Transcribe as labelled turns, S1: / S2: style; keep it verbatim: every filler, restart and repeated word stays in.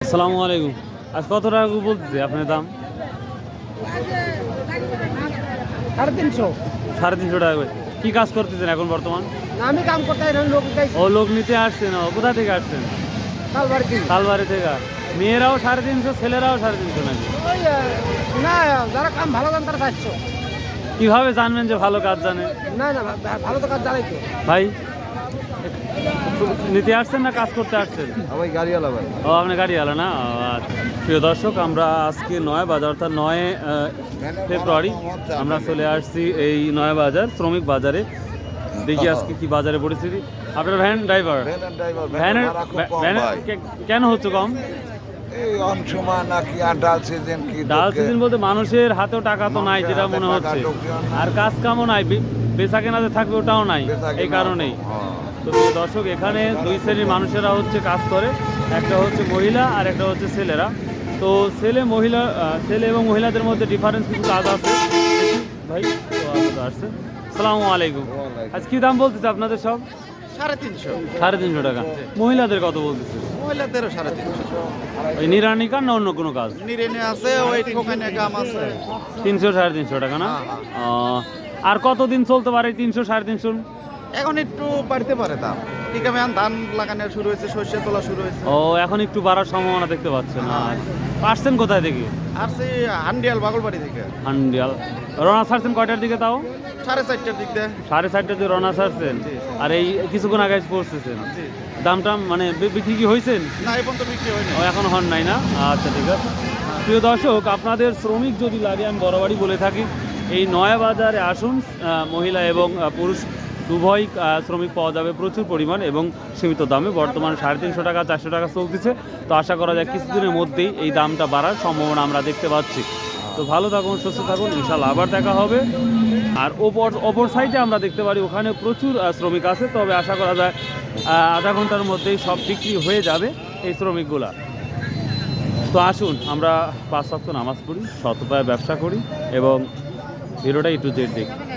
S1: আসসালামু আলাইকুম। আজ কত টাকা বলতেছে আপনার দাম?
S2: সাড়ে তিনশো।
S1: সাড়ে তিনশো টাকা করে। কি কাজ করতেছেন এখন বর্তমান?
S2: আমি কাম করতে লোক
S1: ও লোক নিতে আসছেন। ও কোথা থেকে আসছেন?
S2: তালবাড়ি
S1: তালবাড়ি থেকে। মেয়েরাও সাড়ে তিনশো, ছেলেরাও সাড়ে তিনশো নাকি?
S2: না, যারা কাম ভালো জান তারা চারশো।
S1: কিভাবে জানবেন যে ভালো কাজ জানে?
S2: না না, ভালো তো কাজ জানাই তো
S1: ভাই নিতে আসছেন না কাজ করতে আসছেন?
S2: আমি গাড়িওয়ালা ভাই।
S1: ও আপনি গাড়িওয়ালা না? আচ্ছা। প্রিয় দর্শক, আমরা আজকে নয় বাজার অর্থাৎ নয় ফেব্রুয়ারি আমরা চলে আসছি এই নয় বাজার শ্রমিক বাজারে। দেখি আজকে কি বাজারে পরিস্থিতি। আপনার ভ্যান ড্রাইভার, ভ্যানের ভ্যানের কেন হচ্ছে কম?
S2: ডাল সিজন কি
S1: ডাল সিজন বলতে মানুষের হাতেও টাকা তো নাই যেটা মনে হচ্ছে, আর কাজ কামও নাই, বেচা কেনাতে থাকবে ওটাও নাই, এই কারণেই। তো দর্শক, এখানে দুই শ্রেণীর মানুষেরা হচ্ছে কাজ করে, একটা হচ্ছে মহিলা আর একটা হচ্ছে ছেলেরা। তো ছেলে মহিলা ছেলে এবং মহিলাদের মধ্যে ডিফারেন্স কিছু কাজ আছে ভাই। তো আসছে। আসসালামু আলাইকুম। আজ কি দাম বলতেছে আপনাদের সব?
S2: সাড়ে তিনশো।
S1: সাড়ে তিনশো টাকা। মহিলাদের কত বলতেছে?
S2: মহিলাদেরও সাড়ে তিনশো।
S1: ওই নিরানি কাজ না অন্য কোনো কাজ?
S2: নিরেনে আছে, ওই ঠোকানে কাম আছে।
S1: তিনশো সাড়ে তিনশো টাকা না? আর কতদিন চলতে পারে তিনশো সাড়ে তিনশো?
S2: এখন একটু বাড়তে পারে দাম। ঠিক আছে, ধান লাগানো শুরু হয়েছে, সর্ষে তোলা শুরু হয়েছে।
S1: ও, এখন একটু বাড়ার সম্ভাবনা দেখতে পাচ্ছেন? আসছেন কোথায় থেকে?
S2: আর সেই হান্ডিয়াল বাগলবাড়ি থেকে।
S1: হান্ডিয়াল। রওনা ছাড়ছেন কয়টার দিকে তাও?
S2: সাড়ে চারটার দিক দিয়ে।
S1: সাড়ে চারটার দিকে রওনা ছাড়ছেন, আর এই কিছুক্ষণ আগে পৌঁছেছেন। দামটা মানে বিক্রি কি হয়েছেন?
S2: না, এখন তো বিক্রি হয়নি।
S1: ও, এখন হন নাই না? আচ্ছা, ঠিক আছে। প্রিয় দর্শক, আপনাদের শ্রমিক যদি লাগে, আমি বরাবরই বলে থাকি এই নয়া বাজারে আসুন। মহিলা এবং পুরুষ উভয় শ্রমিক পাওয়া যাবে প্রচুর পরিমাণ এবং সীমিত দামে। বর্তমানে সাড়ে তিনশো টাকা চারশো টাকা চলতেছে। তো আশা করা যায় কিছুদিনের মধ্যেই এই দামটা বাড়ার সম্ভাবনা আমরা দেখতে পাচ্ছি। তো ভালো থাকুন, সুস্থ থাকুন, ইনশাল্লাহ আবার দেখা হবে। আর ওপর অপর সাইডে আমরা দেখতে পারি ওখানে প্রচুর শ্রমিক আছে, তবে আশা করা যায় আধা ঘন্টার মধ্যেই সব বিক্রি হয়ে যাবে এই শ্রমিকগুলা। তো আসুন আমরা পাঁচ ওয়াক্ত নামাজ পড়ি, সৎ উপায়ে ব্যবসা করি এবং ভিডিওটা একটু জেড দেখি।